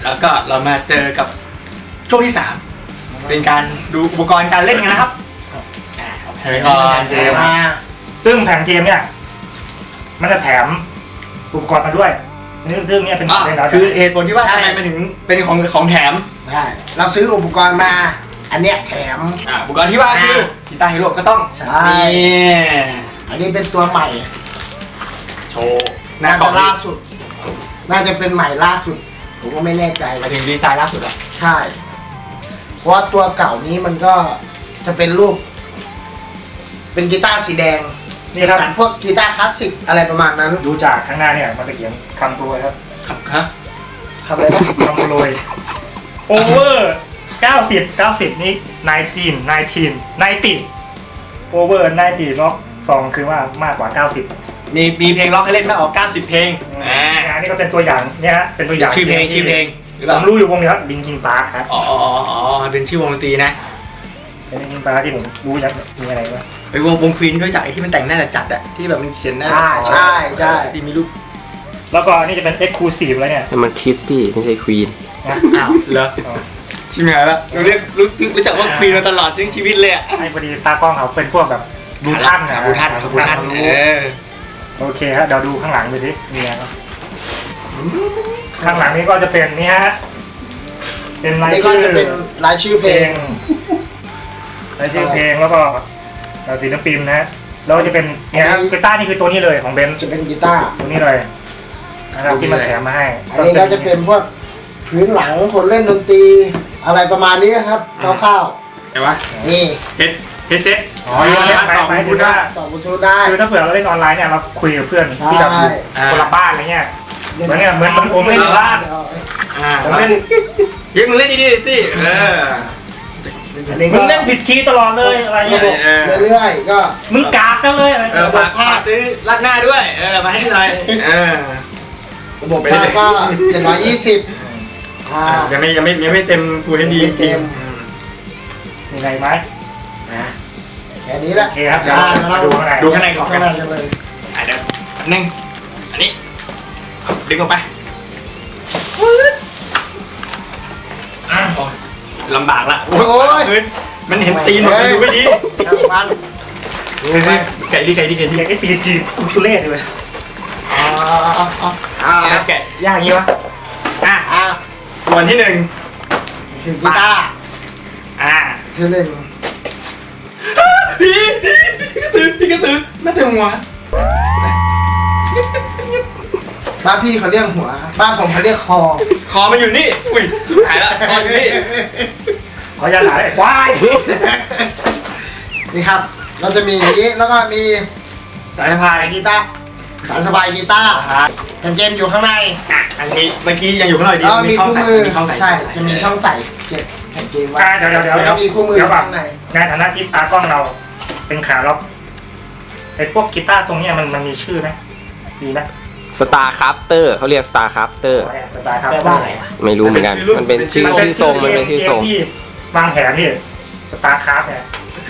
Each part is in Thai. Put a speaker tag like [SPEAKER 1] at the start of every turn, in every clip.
[SPEAKER 1] แล้วก็เรามาเจอกับช่วงที่3เป็นการดูอุปกรณ์การเล่นกันนะครับแผ่นเกม
[SPEAKER 2] ซึ่งแผ่นเกมเนี่ยมันจะแถมอุปกรณ์มาด้วยซึ่งเนี่ยเป็น
[SPEAKER 1] คือเหตุผลที่ว่าทำไมมันถึงเป็นของแถม
[SPEAKER 3] ใช่เราซื้ออุปกรณ์มาอันเนี้ยแถม
[SPEAKER 1] อุปกรณ์ที่ว่าคือกีตาร์ฮีโร่ก็ต้อง
[SPEAKER 3] ใช่อันนี้เป็นตัวใหม่
[SPEAKER 1] โชว์
[SPEAKER 3] น่าจะล่าสุดน่าจะเป็นใหม่ล่าสุดผมก็ไม่แน่ใจ
[SPEAKER 1] มาถึงดีไซน์ล่าสุดแล้ว
[SPEAKER 3] ใช่เพราะตัวเก่านี้มันก็จะเป็นรูปเป็นกีตาร์สีแดง
[SPEAKER 2] นี่ครับ
[SPEAKER 3] พวกกีตาร์คลาสสิกอะไรประมาณนั้น
[SPEAKER 2] ดูจากข้างหน้าเนี่ยมันจะเขียนคำโปรยครับ
[SPEAKER 3] คำอะไรนะ
[SPEAKER 2] คำโปรยโอเวอร์90นี่19โอเวอร์90ล็อก2คือว่ามากกว่า90
[SPEAKER 1] มีเพลงล็อกให้เล่นมากกว่า90เพลง
[SPEAKER 2] อันนี้ก็เป็นตัวอย่างเนี่ยฮะเป็นตัวอย่าง
[SPEAKER 1] ชื่อเพลง
[SPEAKER 2] ผมรู้อยู่วงนี้ครับลิงคิงปาร์คครับ
[SPEAKER 1] เป็นชื่อวงดนตรีนะ
[SPEAKER 2] เป็นลิงคิงปาร์คที่ผมรู้ยังมีอะไรวะ
[SPEAKER 1] ไปวงควีนด้วยจากไอ้ที่มันแต่งหน้าจัดอะที่แบบมันเขียนหน้า
[SPEAKER 3] ใช่
[SPEAKER 1] ที่มีรูป
[SPEAKER 2] แล้วก็นี่จะเป็น Exclusive แล้วเนี่ย
[SPEAKER 4] มันคิสพี่ไม่ใช่ควีน
[SPEAKER 1] อ้าวเหรอชิมหายละเราเรียกรู้จักว่าควีนมาตลอดทั้งชีวิตเลยอะ
[SPEAKER 2] ไอ้พอดีตากล้องเขาเป็นพวกแบบบูทันโอเคครับเดี๋ยวดูข้างหลังไปสิมีอะไรข้างหลังนี้ก็จะเป็นนี่ฮะเป็นราย
[SPEAKER 3] ชื่อเพลง
[SPEAKER 2] แล้วก็ศิลปินนะแล้วจะเป็นเนี่ยกีตาร์นี่คือตัวนี้เลยของเบน
[SPEAKER 3] จะเป็นกีตาร์
[SPEAKER 2] ตัวนี้เลยนะครับที่มันแถมมาให้
[SPEAKER 3] อันนี้ก็จะเป็นพวกพื้นหลังคนเล่นดนตรีอะไรประมาณนี้ครับคร่าว
[SPEAKER 1] ๆแต่ว่า
[SPEAKER 3] นี่
[SPEAKER 1] เฮดเซ็ต
[SPEAKER 2] ไปดูได้
[SPEAKER 3] ต่อบลูทูธได้
[SPEAKER 2] คือถ้าเผื่อเราเล่นออนไลน์เนี่ยเราคุยกับเพื่อนที่แบบคนละบ้านอะไรเงี้ยเหมือนผมเล่นบ้าน
[SPEAKER 1] ผมเล่นยิ่งมึงเล่นดีๆสิ
[SPEAKER 2] มึงเล่นผิดคีย์ตลอดเลยอะไรเงี้ย
[SPEAKER 3] เรื่อยๆก็
[SPEAKER 2] มึงกากกันเลยอะไร
[SPEAKER 1] ฝากผ้าซื้อรัดหน้าด้วยมาให้หน่อย
[SPEAKER 3] ระบบผ้าก็720
[SPEAKER 1] ยังไม่เต็มฟูลเฮดดีจริง
[SPEAKER 2] มีอะไรไหม
[SPEAKER 3] แค่นี้แหละ
[SPEAKER 2] โอเคครับ
[SPEAKER 1] ดูข้างในก่อน
[SPEAKER 3] กันเลย
[SPEAKER 1] เดี๋ยวนึงอันนี้ดึงออกไปลำบากละโอ้ยมันเห็นตีนมันดูไม่ดีไก่ดีไอ้
[SPEAKER 2] ตีนจีกุสุเล่เลย
[SPEAKER 1] แกะยากงี้วะส่วนที่1
[SPEAKER 3] คือกีตาร์ที่1
[SPEAKER 1] พี่กระสือไม่เต็มหัว
[SPEAKER 3] บ้านพี่เขาเรียกหัวบ้านผมเขาเรียกคอ
[SPEAKER 1] มันอยู่นี่อุ้ยหายละคออยู่นี่
[SPEAKER 2] ขอยันหายควาย
[SPEAKER 3] นี่ครับเราจะมีอย่างนี้แล้วก็มี
[SPEAKER 1] สายสะพาย
[SPEAKER 3] กีตาร์สายสบายกีตาร์แผ่นเกมอยู่ข้างใน
[SPEAKER 1] อันนี้เมื่อกี้ยังอยู่ข้างในดี
[SPEAKER 3] มีคู่มือใช่จะมีช่องใส่เก็บแผ่นเกมไว้
[SPEAKER 2] เดี๋ยว
[SPEAKER 3] มีคู่มือข้างใน
[SPEAKER 2] ในฐานะที่ตากล้องเราเป็นขาล็อกไอ้พวกกีตาร์ทรงนี้มันมีชื่อไหมดีไหม
[SPEAKER 4] Starcrafter เขาเรียก Starcrafter
[SPEAKER 3] แปลว่าอะไรวะ
[SPEAKER 4] ไม่รู้เหมือนกันมันเป็นชื่อทรงมันเป็นชื่อทรง
[SPEAKER 2] ที่วางแผนนี่ Starcraft เนี่ย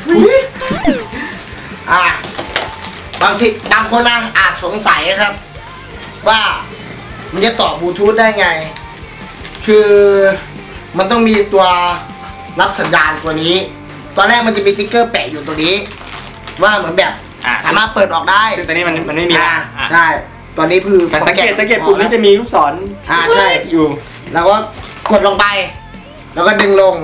[SPEAKER 3] บางคนนะอาจสงสัยครับว่ามันจะต่อบลูทูธได้ไงคือมันต้องมีตัวรับสัญญาณตัวนี้ตอนแรกมันจะมีติ๊กเกอร์แปะอยู่ตัวนี้ว่าเหมือนแบบสามารถเปิดออกได้
[SPEAKER 1] ซึ่งตอนนี้มันไม่มี
[SPEAKER 3] ใช่ตอนนี้คือ
[SPEAKER 1] สังเกตปุ่มนี้จะมีลูกศร
[SPEAKER 3] ใช่
[SPEAKER 1] อยู่
[SPEAKER 3] แล้วก็กดลงไปแล้วก็ดึงลง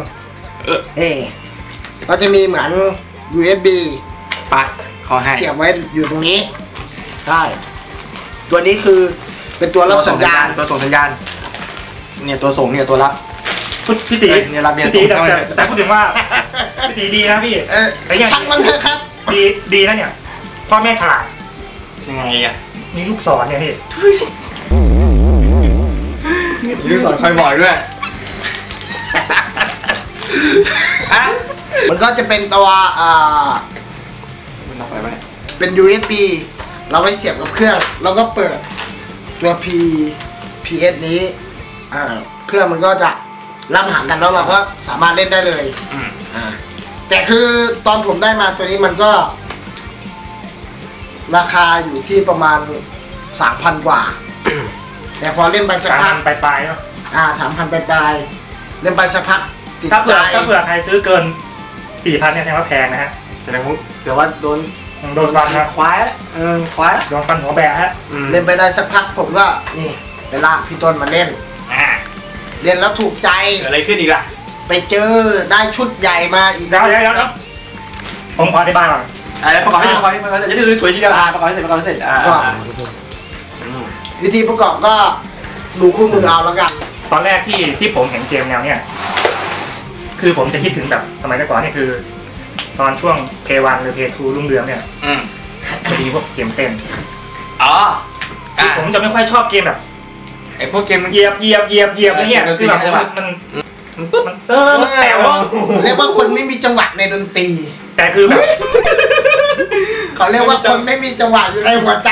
[SPEAKER 3] ก็จะมีเหมือน USB
[SPEAKER 1] ปัดคอให้
[SPEAKER 3] เสียบไว้อยู่ตรงนี้ใช่ตัวนี้คือเป็นตัวรับสัญญาณ
[SPEAKER 1] ตัวส่งสัญญาณเนี่ยตัวส่งเนี่ยตัวรับ
[SPEAKER 2] พี่ตี
[SPEAKER 1] เนี่ยรับเนี่ย
[SPEAKER 2] แต่พูดถึงว่าพี่ตีดีนะพี่
[SPEAKER 3] ช่างมันเถอะครับ
[SPEAKER 2] ดีนะเนี่ยพ่อแม่ฉลาด
[SPEAKER 1] ยังไงอ่ะ
[SPEAKER 2] มีลูกศรเนี่ยพี่
[SPEAKER 1] มีลูกศรคอยบอกด้วย
[SPEAKER 3] มันก็จะเป็นตัวเป็น USB เราไปเสียบกับเครื่องแล้วก็เปิดตัว PS นี้เครื่องมันก็จะรับหางกันแล้วเราก็สามารถเล่นได้เลยแต่คือตอนผมได้มาตัวนี้มันก็ราคาอยู่ที่ประมาณ 3,000 กว่าแต่พอเล่นไปสักพัก
[SPEAKER 2] ปลายเนาะ
[SPEAKER 3] 3,000 ปลายๆเล่นไปสักพักติด
[SPEAKER 2] ถ้า
[SPEAKER 3] ใจ
[SPEAKER 2] เผื่อใครซื้อเกิน 4,000เนี่ยแสดงว่าแพงนะฮะ
[SPEAKER 1] แต่ว่าโดน
[SPEAKER 2] ฟันนะ
[SPEAKER 1] ควายแล้วควายแล้ว
[SPEAKER 2] โดนฟันหัวแบะฮะ
[SPEAKER 3] เล่นไปได้สักพักผมก็นี่ไปลากพี่ต้นมาเล่นเล่นแล้วถูกใจ
[SPEAKER 1] เกิดอะไรขึ้นอีกล่ะ
[SPEAKER 3] ไปเจอได้ชุดใหญ่มาอีก
[SPEAKER 2] เดี๋ยวผมขออธิบายก่อน
[SPEAKER 1] แล้วประกอบให้จะได้สวยทีเดียวประกอบให้เสร็จ
[SPEAKER 3] วิธีประกอบก็ดูคู่มือเอาแล้วกัน
[SPEAKER 2] ตอนแรกที่ผมเห็นเกมแนวเนี่ยคือผมจะคิดถึงแบบสมัยก่อนนี่คือ ตอนช่วง P1 หรือ P2 รุ่งเรืองเนี่ยจะมีพวกเกมเต้นผมจะไม่ค่อยชอบเกมแบบ
[SPEAKER 1] ไอ้พวกเกมมัน
[SPEAKER 2] เหยียบอะไรเงี้ยคือแบบมันแต่ว่า
[SPEAKER 3] เรียกว่าคนไม่มีจังหวะในดนตรี
[SPEAKER 2] แต่คือแบบ
[SPEAKER 3] เขาเรียกว่าคนไม่มีจังหวะอยู่ในหัวใจ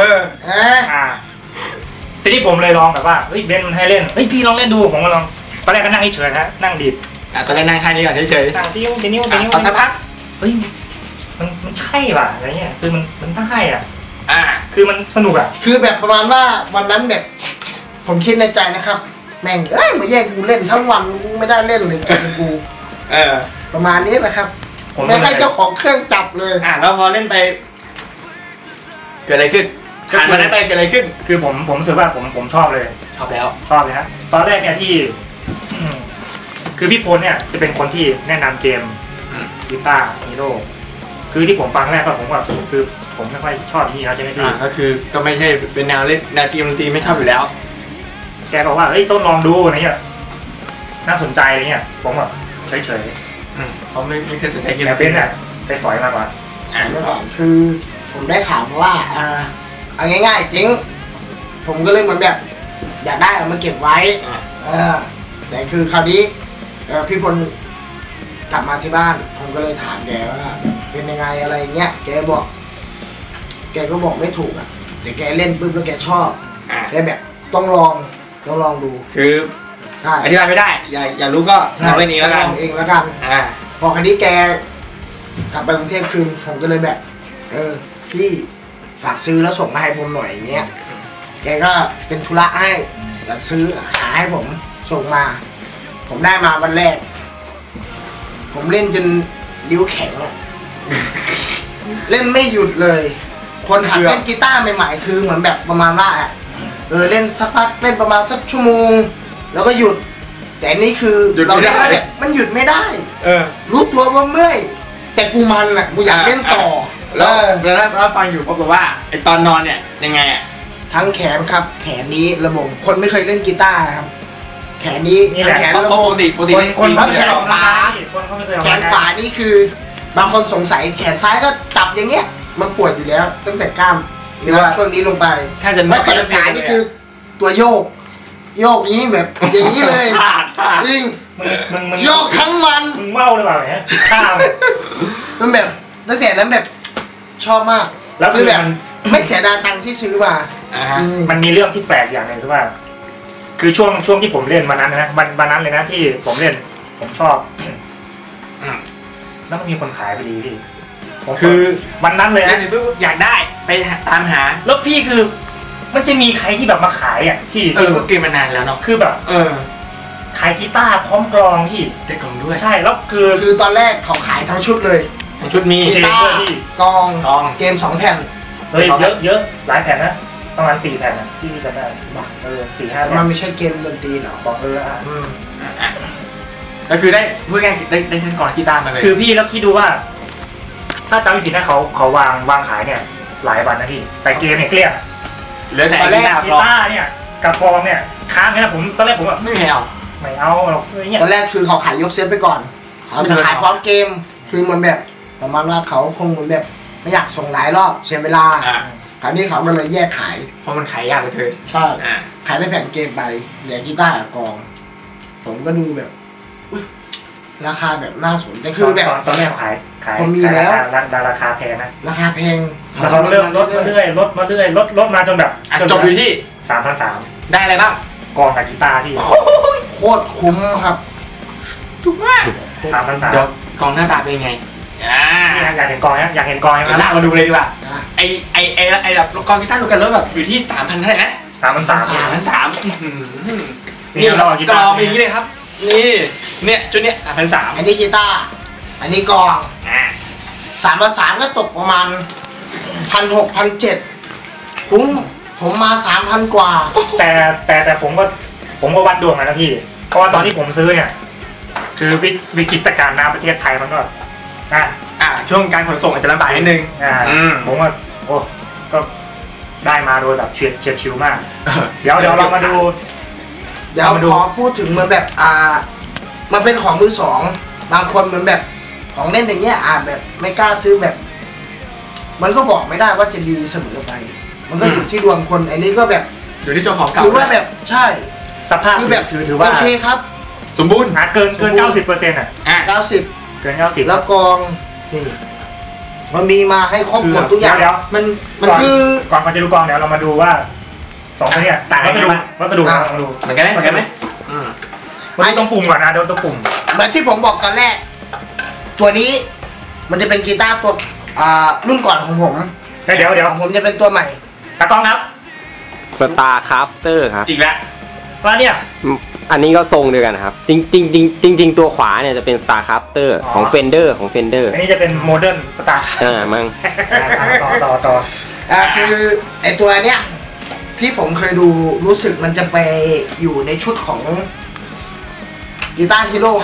[SPEAKER 2] ทีนี้ผมเลยลองแบบว่าเฮ้ยเบนมันให้เล่นเฮ้ยพี่ลองเล่นดูผมก็ลองตอนแรกก็นั่งเฉยๆนะนั่งดีด
[SPEAKER 1] ตอนแรกนั่งแค่นี้ก่อนเฉย
[SPEAKER 2] ๆนั่งติ้ว
[SPEAKER 1] พอสักพัก
[SPEAKER 2] เฮ้ยมันใช่ป่ะอะไรเงี้ยคือมันได้คือมันสนุก
[SPEAKER 3] คือแบบประมาณว่าวันนั้นแบบผมคิดในใจนะครับแม่งมาแย่งกูเล่นทั้งวันกูไม่ได้เล่นเลยเกมกูประมาณนี้นะครับไม่ให้เจ้าของเครื่องจับเลย
[SPEAKER 1] แล้วพอเล่นไปเกิดอะไรขึ้นผ่านมาได้ไปเกิดอะไรขึ้น
[SPEAKER 2] คือผมรู้สึกว่าผมชอบเลย
[SPEAKER 1] ชอบเลย
[SPEAKER 2] ฮะตอนแรกเนี่ยที่คือพี่พลเนี่ยจะเป็นคนที่แนะนำเกมกีตาร์ฮีโร่คือที่ผมฟังแรกก็ผมว่าคือผมไม่ค่อยชอบนี่แล้วใช่ไหมพี่
[SPEAKER 1] ก็คือก็ไม่ใช่เป็นแนวเล่นแนวเกมดนตรีไม่ชอบอยู่แล้ว
[SPEAKER 2] แกบอกว่าเฮ้ยต้นลองดูอะไรเงี้ยน่าสนใจอะไรเงี้ยผมแบบเฉย
[SPEAKER 1] เขาไม่เคยสนใจเกม
[SPEAKER 2] แต่เป็นเนี่ยไปสอยมาก่อน
[SPEAKER 3] คือผมได้ข่าวมาว่าเอาง่ายๆจริงผมก็เลยเหมือนแบบอยากได้เอามาเก็บไว้แต่คือคราวนี้พี่พลกลับมาที่บ้านผมก็เลยถามแกว่าเป็นยังไงอะไรเงี้ยแกก็บอกไม่ถูกแต่แกเล่นปุ๊บแล้วแกชอบแกแบบต้องลองดู
[SPEAKER 1] คืออธิบายไม่ได้อย่ารู้ก็ลองเล่นเองแล้วกัน
[SPEAKER 3] เองแล้วกันพอคราวนี้แกกลับไปกรุงเทพคืนผมก็เลยแบบพี่ฝากซื้อแล้วส่งมาให้ผมหน่อยอย่างเงี้ยแกก็เป็นธุระให้จะซื้อหาให้ผมส่งมาผมได้มาวันแรกผมเล่นจนนิ้วแข็งเล่นไม่หยุดเลยคนหัดเล่นกีตาร์ใหม่ๆคือเหมือนแบบประมาณว่าเล่นสักพักเล่นประมาณสักชั่วโมงแล้วก็หยุดแต่นี่คือเราเล่นแบบมันหยุดไม่ได้รู้ตัวว่าเมื่อยแต่กูมันกูอยากเล่นต่อ
[SPEAKER 1] แล้วฟังอยู่บอกว่าไอตอนนอนเนี่ยยังไง
[SPEAKER 3] ทั้งแขนครับแขนนี้ระบบคนไม่เคยเล่นกีตาร์ครับแขนนี้แขนระบบ
[SPEAKER 1] ปกติ
[SPEAKER 3] คนแขนขวานี่คือบางคนสงสัยแขนซ้ายก็จับอย่างเงี้ยมันปวดอยู่แล้วตั้งแต่กล้ามเนื้อช่วงนี้ลงไปแล้วแขนขวานี่คือตัวโยกนี้แบบอย่างนี้เลยจริงโยกทั้งวัน
[SPEAKER 2] มึงเมาหรือเปล่าเนี่ยข้าว
[SPEAKER 3] มันแบบตั้งแต่นั้นแบบชอบมาก
[SPEAKER 2] แล้วคือแบบ
[SPEAKER 3] ไม่เสียดายตังค์ที่ซื้อมา
[SPEAKER 2] มันมีเรื่องที่แปลกอย่างหนึ่งคือว่าคือช่วงที่ผมเล่นวันนั้นนะวันนั้นเลยนะที่ผมเล่นผมชอบแล้วมันมีคนขายพอดีพี่
[SPEAKER 1] คือ
[SPEAKER 2] วันนั้นเลยนะ
[SPEAKER 1] อยากได้ไปตามหา
[SPEAKER 2] แล้วพี่คือมันจะมีใครที่แบบมาขายพี่
[SPEAKER 1] ก็เกมมานานแล้วเนาะ
[SPEAKER 2] คือแบบขายกีตาร์พร้อมกลองพี่
[SPEAKER 1] ได้กลองด้วย
[SPEAKER 2] ใช่แล้ว
[SPEAKER 3] คือตอนแรกเขาขายทั้งชุดเลย
[SPEAKER 1] ชุดมี
[SPEAKER 3] กีตาร์กลองเกม2 แผ่น
[SPEAKER 2] เฮ้ยเยอะหลายแผ่นนะประมาณ4 แผ่นที่จะได้4-5
[SPEAKER 3] มันไม่ใช่เกมดนตรีหรอ
[SPEAKER 2] บอก
[SPEAKER 1] ก็คือได้พูดง่ายได้ทั้งกลองกีตาร์มาเลย
[SPEAKER 2] คือพี่แล้วคิดดูว่าถ้าจำไม่ผิดนะเขาวางขายเนี่ยหลายวันนะพี่แต่เกมเนี่ยเกลี้ยง
[SPEAKER 1] เหลือแต่
[SPEAKER 2] กีตาร์เนี่ยกับกลองเนี่ยค้างนะผมตอนแรกผมแบบ
[SPEAKER 1] ไม่เอา
[SPEAKER 2] หรอก
[SPEAKER 3] ตอนแรกคือเขาขายยกเซตไปก่อนเขาจะขายพร้อมเกมคือมันแบบประมาณว่าเขาคงเหมือนแบบไม่อยากส่งหลายรอบเสียเวลาคราวนี้เขาก็เลยแยกขาย
[SPEAKER 1] เพราะมันขายยากเลยเธอ
[SPEAKER 3] ใช่ขายได้แผ่นเกมไปเหลือกีตาร์กับกลองผมก็ดูแบบราคาแบบน่าสนแต่คือแบบ
[SPEAKER 2] ตอนแรกขาย
[SPEAKER 3] ผมมีแล้ว
[SPEAKER 2] ราคาแพงนะ
[SPEAKER 3] ราคาแพง
[SPEAKER 2] แล้วเขาเริ่มลดมาเรื่อยลดมาจนแบบ
[SPEAKER 1] จบอยู่ที่
[SPEAKER 2] 3,300
[SPEAKER 1] ได้อะไรบ้าง
[SPEAKER 2] กลองกับกีตาร์ที่
[SPEAKER 3] โคตรคุ้มครับ
[SPEAKER 1] ถูกมาก3,300เดี๋ยวกลองหน้าตาเป็นไง
[SPEAKER 2] อยากเห็นกลองอยากเห็นกลอง
[SPEAKER 1] ลากมาดูเลยดีกว่าไอแบบกลองกีตาร์ดูกันแล้วแบบอยู่ที่ 3,000 เท่าไหร่นะ
[SPEAKER 2] 3,300
[SPEAKER 1] นี่กรองเป็นอย่างนี้เลยครับนี่เนี่ยชุดเนี้ย3,300
[SPEAKER 3] อันนี้กีตาร์อันนี้กลอง3,300ก็ตกประมาณ1,600 1,700คุ้มผมมา 3,000 กว่า
[SPEAKER 2] แต่ผมก็วัดดวงนะพี่เพราะว่าตอนที่ผมซื้อเนี่ยคือวิกฤตการณ์น้ำประเทศไทยมันก็
[SPEAKER 1] ช่วงการขนส่งอาจจะลำบากนิดนึง
[SPEAKER 2] ผมว่าโอ้ก็ได้มาโดยแบบเฉียดชิวมากเดี๋ยวเรามาดู
[SPEAKER 3] เดี๋ยวขอพูดถึงเหมือนแบบมันเป็นของมือสองบางคนเหมือนแบบของเล่นอย่างเงี้ยแบบไม่กล้าซื้อแบบมันก็บอกไม่ได้ว่าจะดีเสมอไปมันก็อยู่ที่ดวงคนอันนี้ก็แบบ
[SPEAKER 1] อยู่ที่เจ้าของเก่า
[SPEAKER 3] ถือว่าแบบใช่
[SPEAKER 2] สภาพ
[SPEAKER 3] คือแบบ
[SPEAKER 2] ถือว่า
[SPEAKER 3] โอเคครับ
[SPEAKER 1] สมบูรณ์
[SPEAKER 2] เกิน 90%
[SPEAKER 3] 90
[SPEAKER 2] เกิน 90
[SPEAKER 3] แล้วกองนี่มันมีมาให้ครบหมดทุกอย่าง
[SPEAKER 2] เดี๋ยวมันคือก่อนจะดูกองเดี๋ยวเรามาดูว่า2ตัวเนี้ยวัสดุมาดู
[SPEAKER 1] เหมือนกันไหม
[SPEAKER 2] มาดูตรงปุ่มก่อนนะดูตรงปุ่ม
[SPEAKER 3] เหมือนที่ผมบอกตอนแรกตัวนี้มันจะเป็นกีตาร์ตัวรุ่นก่อนของผม
[SPEAKER 2] เดี๋ยว
[SPEAKER 3] ผมจะเป็นตัวใหม่
[SPEAKER 2] ตากล้องครับ
[SPEAKER 4] StarCrafter ครับ
[SPEAKER 2] อีกแล้วว่าเนี่ย
[SPEAKER 4] อันนี้ก็ทรงเดียวกันครับจริงตัวขวาเนี่ยจะเป็น StarCrafter ของ Fender
[SPEAKER 2] อันนี้จะเป็นโมเดิร์น Star
[SPEAKER 4] มั้ง
[SPEAKER 2] ต่อ
[SPEAKER 3] คือไอตัวเนี้ยที่ผมเคยดูรู้สึกมันจะไปอยู่ในชุดของกีตาร์ฮีโร่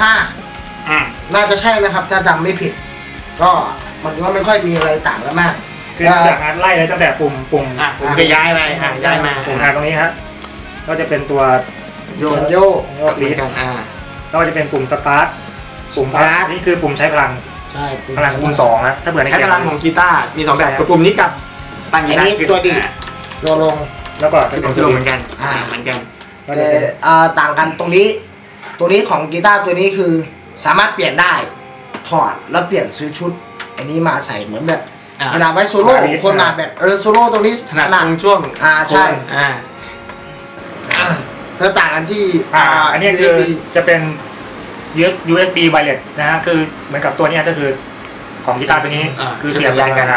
[SPEAKER 3] 5น่าจะใช่นะครับถ้าจำไม่ผิดก็มันก็ไม่ค่อยมีอะไรต่างกันมาก
[SPEAKER 2] คือจากนั้นไล่เลยตั้งแต่ปุ่ม
[SPEAKER 1] ผมก็ย้ายไปย้ายมา
[SPEAKER 2] ปุ่มตรงนี้ฮะก็จะเป็นตัว
[SPEAKER 3] โย
[SPEAKER 2] ลีดก็จะเป็นปุ่มสตาร์ทนี่คือปุ่มใช้พลัง
[SPEAKER 3] ใช่
[SPEAKER 2] พลังคูณ2นะถ้าเผื่อใน
[SPEAKER 1] ใช้พลังของกีตาร์มี2แบบกับปุ่มนี้กับ
[SPEAKER 3] ตั้งกีตาร์ตัวดีตัวลง
[SPEAKER 2] แล้วก็เป็นตัวลงเหมือนกัน
[SPEAKER 3] แต่ต่างกันตรงนี้ของกีตาร์ตัวนี้คือสามารถเปลี่ยนได้ถอดแล้วเปลี่ยนซื้อชุดอันนี้มาใส่เหมือนแบบเวลาไว้โซโล่คนหนาแบบโซโล่ตรงนี้
[SPEAKER 1] ถนัดตรงช่วง
[SPEAKER 3] ใช่แล้วต่างกันที่
[SPEAKER 2] อันนี้คือจะเป็น USB wireless นะฮะคือเหมือนกับตัวนี้ก็คือของกีตาร์ตัวนี้คือเสียบยางกัน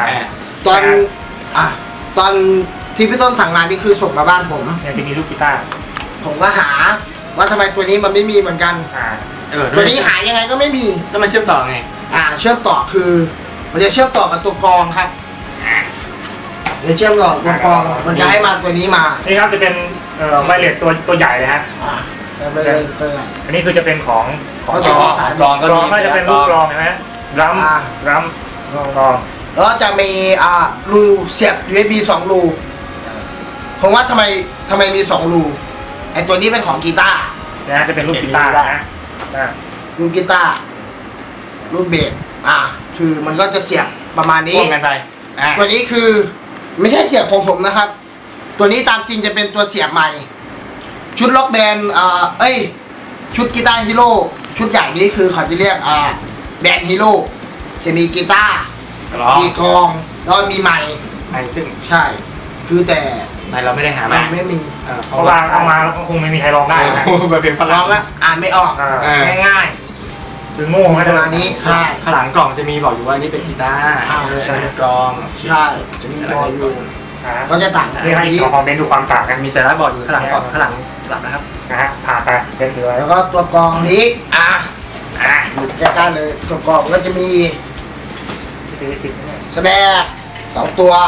[SPEAKER 3] ตอนที่พี่ต้นสั่งงานนี่คือส่งมาบ้านผม
[SPEAKER 2] เนี่ยจะมีลูกกีตาร์
[SPEAKER 3] ผมก็หาว่าทำไมตัวนี้มันไม่มีเหมือนกันตัวนี้หายังไงก็ไม่มี
[SPEAKER 1] แล้วมันเชื่อมต่อไง
[SPEAKER 3] เชื่อมต่อคือมันจะเชื่อมต่อกับตัวกรองครับจะเชื่อมต่อตัวกรองมันจะให้มาตัวนี้มา
[SPEAKER 2] นี่ครับจะเป็นไวเลสตัวใหญ่เลยฮะอันนี้คือจะเป็นของ
[SPEAKER 3] สาย
[SPEAKER 2] กรองก็จะเป็นลูกกรองใช่ไหมรัมกรอง
[SPEAKER 3] แล้วจะมีรูเสียบ USB 2 รูผมว่าทำไมมี2 รูไอตัวนี้เป็นของกีตาร์
[SPEAKER 2] นะจะเป็นรูปกีตาร์นะ
[SPEAKER 3] รูปกีตาร์รูปเบสคือมันก็จะเสียบประมาณนี้
[SPEAKER 1] กันไป
[SPEAKER 3] ตัวนี้คือไม่ใช่เสียบของผมนะครับตัวนี้ตามจริงจะเป็นตัวเสียบใหม่ชุดล็อกแบนด์ชุดกีตาร์ฮีโร่ชุดใหญ่นี้คือเขาจะเรียกแบนด์ฮีโร่จะมีกีตาร์มีกลองแล้วมีไมค์
[SPEAKER 1] ซึ่ง
[SPEAKER 3] ใช่คือแต่
[SPEAKER 1] เราไม่ได้หามา
[SPEAKER 3] ไม่มี
[SPEAKER 2] เพราะว่าเอามาแล้วคงไม่มีใครร้องได้นะ
[SPEAKER 1] แบบเป็นฝ
[SPEAKER 3] รั่
[SPEAKER 1] ง
[SPEAKER 3] แล้วอ่านไม่ออกง่าย
[SPEAKER 2] คือโง่ขนาด
[SPEAKER 3] นี้ใช่
[SPEAKER 1] ข้างหลังกล่องจะมีบอกอยู่ว่านี่เป็นกีตาร์ใช่กลอง
[SPEAKER 3] ใช่จะมีบอกอยู่ก็จะต่างกัน
[SPEAKER 2] นี่ให้คอมเมนต์ดูความต่างกัน
[SPEAKER 1] มีสาระบอกอยู่ข้างหลังกล่องข้างหลังหลับนะครับ
[SPEAKER 2] ผ่าไปเป็นถือไว้
[SPEAKER 3] แล้วก็ตัวกลองนี้แยกกันเลยตัวกลองก็จะมีสแนร์2 ตัว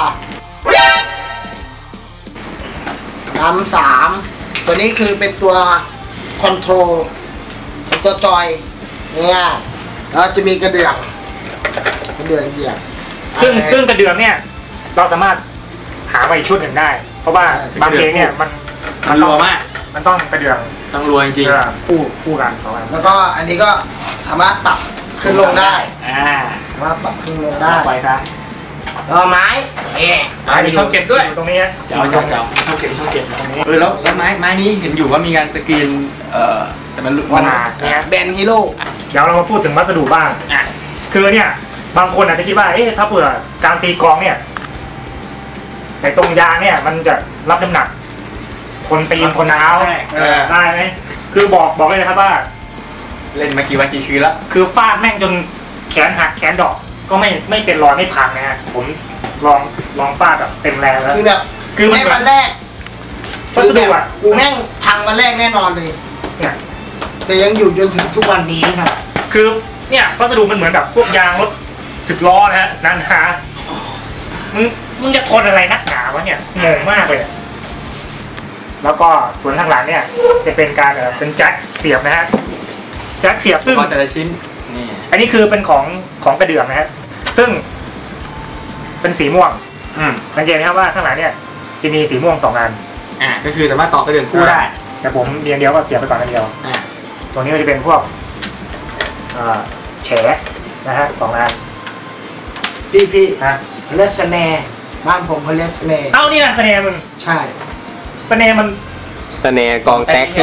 [SPEAKER 3] 3ตัวนี้คือเป็นตัวคอนโทรลตัวจอยเนี่ยแล้วจะมีกระเดื่องเหยียบ
[SPEAKER 2] ซึ่งกระเดื่องเนี่ยเราสามารถหามาอีกชุดหนึ่งได้เพราะว่าบางเพลงเนี่ยมัน
[SPEAKER 1] รัวมาก
[SPEAKER 2] มันต้องกระเดื่อง
[SPEAKER 1] ต้องรัวจริง
[SPEAKER 2] ๆคู่กัน2 อัน
[SPEAKER 3] แล้วก็อันนี้ก็สามารถปรับขึ้นลงได้สามารถปรับขึ้นลงได้
[SPEAKER 1] ไปซะ
[SPEAKER 3] แล้วไม้
[SPEAKER 1] มีช่องเก็บด้วย
[SPEAKER 2] ตรงนี้
[SPEAKER 1] เจ้าช่องเก็บตรงนี้แล้วไม้นี้เห็นอยู่ว่ามีการสกรีนแต่มัน
[SPEAKER 3] เนี่ยแบนด์ฮีโร่
[SPEAKER 2] เดี๋ยวเรามาพูดถึงวัสดุบ้างคือเนี่ยบางคนอาจจะคิดว่าถ้าเผื่อการตีกลองเนี่ยในตรงยางเนี่ยมันจะรับน้ำหนักคนตีนคนเท้าได้ไหมคือบอกเลยนะครับว่า
[SPEAKER 1] เล่นมากี่วันกี่คืนแล้ว
[SPEAKER 2] คือฟาดแม่งจนแขนหักแขนดอกก็ไม่เป็นรอยไม่พังนะฮะผมลองฟาดแบบเต็มแรงแล้ว
[SPEAKER 3] คือแบบ
[SPEAKER 2] คือ
[SPEAKER 3] วันแรก
[SPEAKER 2] วัสดุ
[SPEAKER 3] กูแม่งพังวันแรกแน่นอนเลย
[SPEAKER 2] เนี่ย
[SPEAKER 3] แต่ยังอยู่จนถึงทุกวันนี้ครับ
[SPEAKER 2] คือเนี่ยวัสดุมันเหมือนแบบพวกยางรถ10 ล้อนะฮะหนามึงจะทนอะไรนักหนาวะเนี่ยงงมากเลยแล้วก็ส่วนข้างหลังเนี่ยจะเป็นการเป็นแจ็คเสียบนะฮะแจ็คเสียบซึ่ง
[SPEAKER 1] แต่ละชิ้นนี่
[SPEAKER 2] อันนี้คือเป็นของกระเดื่องนะฮะซึ่งเป็นสีม่วงสังเกตไหมครับว่าข้างหลังเนี่ยจะมีสีม่วง2 อัน
[SPEAKER 1] ก็คือสามารถต่อกระเดื่องคู่ได้
[SPEAKER 2] แต่ผมเดียวก็เสียบไปก่อนอันเดียวตัวนี้ก็จะเป็นพวกแฉนะฮะ2 อัน
[SPEAKER 3] พี่
[SPEAKER 2] ฮะ
[SPEAKER 3] เขาเรียกสแนร์บ้านผมเขาเรียกสแนร์
[SPEAKER 2] เอ้านี่นะสแนร์มึง
[SPEAKER 3] ใช่
[SPEAKER 2] สแนร์มัน
[SPEAKER 4] สแนร์กองแท็กคือ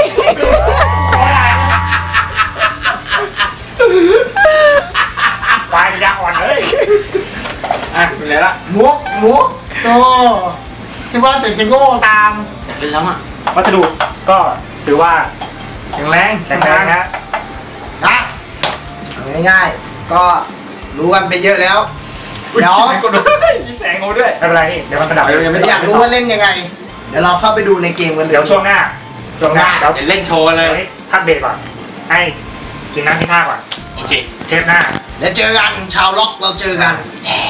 [SPEAKER 2] ควายมันยาอ่อนเลย
[SPEAKER 1] เป็นไรละ
[SPEAKER 3] มุกโอ้ที่ว่าแต่จะโง่ตาม
[SPEAKER 1] อยากเล่นแล้วอ่ะ
[SPEAKER 2] วัสดุก็ถือว่า
[SPEAKER 1] แข็งแรง
[SPEAKER 2] แข็งแรงนะ
[SPEAKER 3] นะเอาง่ายๆก็รู้กันไปเยอะแล้ว เดี๋ยว
[SPEAKER 1] กดด้วยมีแสงเขาด้วย
[SPEAKER 2] ไม่เป็นไรนี่เดี๋ยวมันกระดับ
[SPEAKER 3] อยากรู้ว่าเล่นยังไง เดี๋ยวเราเข้าไปดูในเกมกันเลย
[SPEAKER 2] เดี๋ยวช่วงหน้าเดี๋ยว
[SPEAKER 1] จะเล่นโชว์เลย
[SPEAKER 2] พักเบรกก่อนให้กินน้ำที่ท่าก่อน
[SPEAKER 1] โอเค
[SPEAKER 2] เทปหน้า
[SPEAKER 3] เดี๋ยวเจอกันชาวล็อกเราเจอกัน
[SPEAKER 2] ค